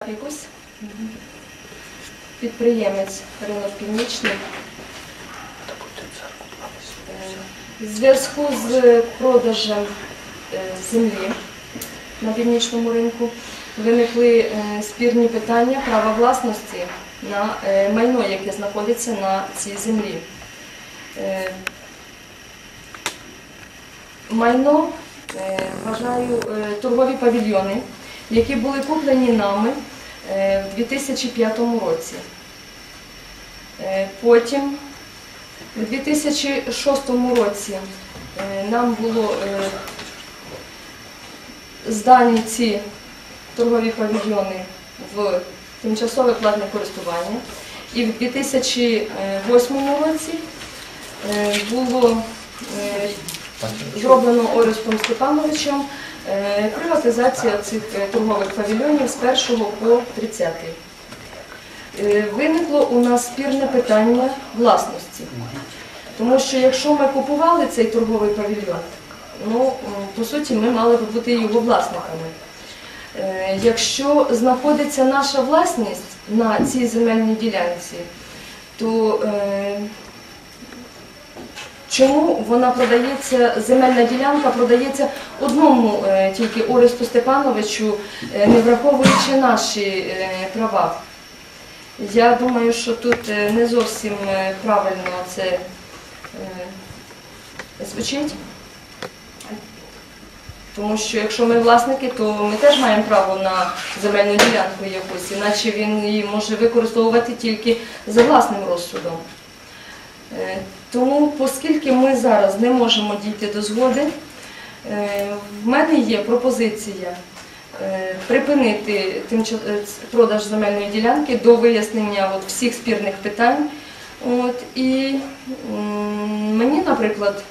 Якось підприємець Ринок Північний в зв'язку з продажем землі на північному ринку виникли спірні питання права власності на майно, яке знаходиться на цій землі. Майно, вважаю, торгові павільйони, які були куплені нами в 2005 році. Потім, у 2006 році, нам було здані ці торгові павільйони в тимчасове платне користування. І в 2008 році було зроблено Орестом Степановичем приватизація цих торгових павільйонів з 1 по 30. Виникло у нас спірне питання власності. Тому що якщо ми купували цей торговий павільйон, по суті, ми мали б бути його власниками. Якщо знаходиться наша власність на цій земельній ділянці, то чому вона продається, земельна ділянка продається одному тільки Оресту Степановичу, не враховуючи наші права? Я думаю, що тут не зовсім правильно це звучить. Тому що якщо ми власники, то ми теж маємо право на земельну ділянку якусь, іначе він її може використовувати тільки за власним розсудом. Тому, оскільки ми зараз не можемо дійти до згоди, в мене є пропозиція припинити продаж земельної ділянки до вияснення всіх спірних питань. І мені, наприклад,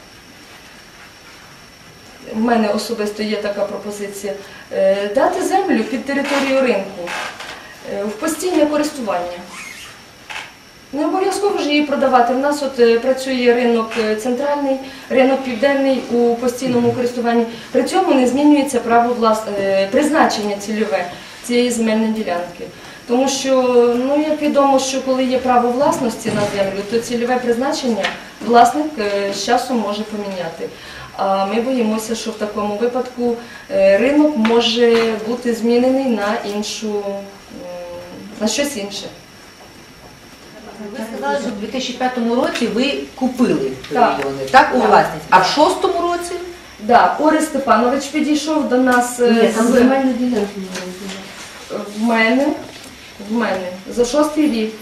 в мене особисто є така пропозиція, дати землю під територію ринку в постійне користування. Не обов'язково ж її продавати. В нас працює ринок центральний, ринок південний у постійному користуванні. При цьому не змінюється право призначення цільове цієї земельної ділянки. Тому що, як відомо, що коли є право власності на землю, то цільове призначення власник з часом може поміняти. А ми боїмося, що в такому випадку ринок може бути змінений на щось інше. Ви сказали, що в 2005 році ви купили павільйони, так, у власність. А в 2006 році? Так, Орест Степанович підійшов до нас там земельна ділянка. В мене за 6-й рік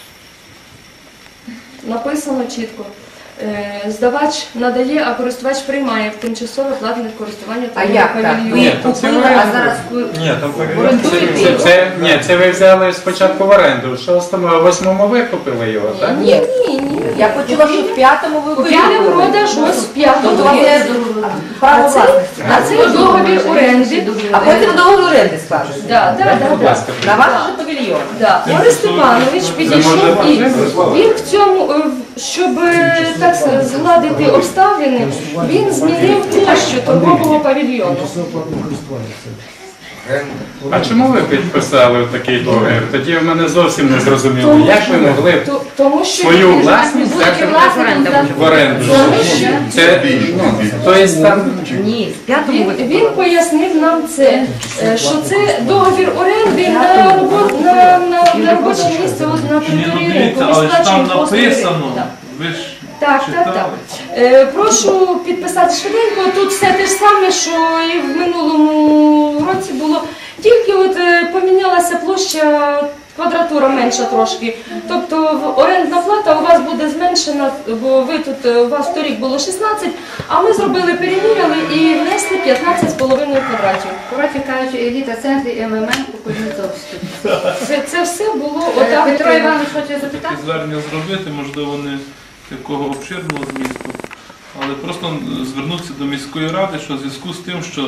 написано чітко. Здавач надає, а користувач приймає в тимчасове платне користування торгових павільйонів. Ви купили, а зараз орендуєте? Ні, це ви взяли спочатку в оренду, в 6-му, а в 8-му ви купили його, так? Ні. Я почула, що в 5-му ви Купили продаж ось в 5-му. Право власності. А це договір оренди. А потім договір оренди складуть. Так. На ваш же павільйон. Орест Степанович підійшов і він в цьому, щоб так згладити обставини, він змінив площу торгового павільйону. А чому ви підписали такий договір? Тоді в мене зовсім не зрозуміло. Як ви могли свою власність взяти в оренду? Ні, в 5-му ви Він пояснив нам це, що це договір оренди на робоче місце на території ринку. Ми Але ж там сплачуємо послуги написано, ринку. ви ж Так. Прошу підписати швиденько. Тут все те ж саме, що і в минулому році було. Тільки помінялася площа, квадратура менша трошки. Тобто орендна плата у вас буде зменшена, бо у вас торік було 16, а ми зробили, переміряли і внесли 15,5 квадратів. Коротше кажучи, еліта центрі МММ у Кузнєцовську. Це все було отак. Петро Іванович хоче запитати? звернення зробити, можливо, не такого обширного змісту, але просто звернутися до міської ради, що в зв'язку з тим, що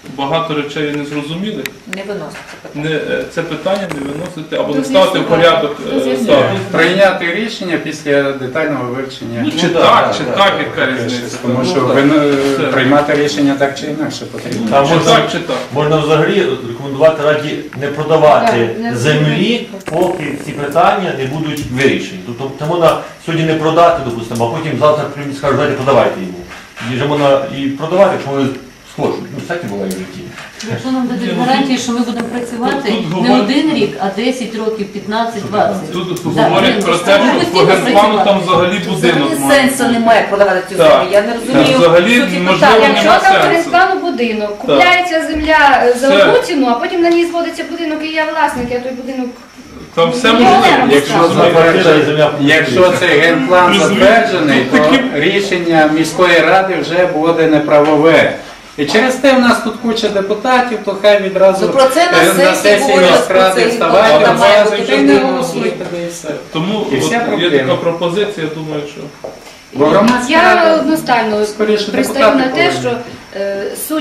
багато речей не зрозумілих, Не виноситься питання. це питання не виносити або До не ставити в з'ясування. порядок До з'ясування. ставити. Прийняти рішення після детального вивчення. Ну, чи так, яка різниця? Тому що приймати рішення так чи інакше потрібно. Там Чи так. можна взагалі рекомендувати раді не продавати Так, не землі, поки ці питання не будуть вирішені. Тобто це можна сьогодні не продати, допустимо, а потім завтра прийдуть і скажуть, давайте продавайте йому. І вже можна і продавати, якщо вони схочуть. Ну, всяке буває в житті. Якщо нам дадуть гарантії, що ми будемо працювати Тут не говорять- один рік, а 10 років, 15-20. Тут Да, говорять про те, ми що по постійно генплану працювали. там взагалі будинок Взагалі має. сенсу немає продавати цю Так. землю. Я не розумію. Взагалі, суті можливо, питання. Якщо нема там сенсу. перестану будинок, купляється земля за Все. одну ціну, а потім на ній зводиться будинок і я власник, я той будинок. Там все Ну, можливо. не Якщо Земля Якщо цей генплан затверджений, то рішення міської ради вже буде неправове. І через те в нас тут куча депутатів, то хай відразу Ну, про це на сесії говорять, про міськради це вставайте, генплан має бази бути вже не прийнятий. голосуйте, да і все. Тому І вся от є проблема. така пропозиція, я думаю, що Бо громадська Я рада одностайно скоріше пристаю депутати на те, повинні. що суть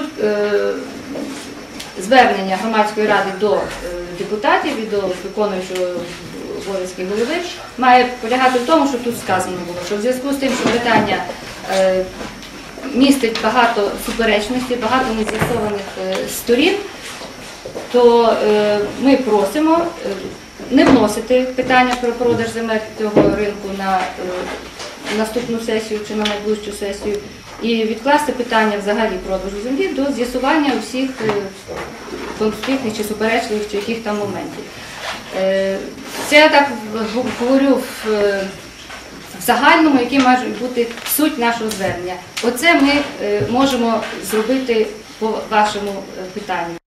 звернення громадської ради до депутатів і до виконуючого обов'язки голови має полягати в тому, що тут сказано було, що в зв'язку з тим, що питання містить багато суперечностей, багато нез'ясованих сторін, то ми просимо не вносити питання про продаж земель цього ринку на наступну сесію чи на найближчу сесію і відкласти питання взагалі продажу землі до з'ясування усіх конфліктних чи суперечливих чи яких там моментів. Це я так говорю в загальному, який має бути суть нашого звернення. Оце ми можемо зробити по вашому питанню.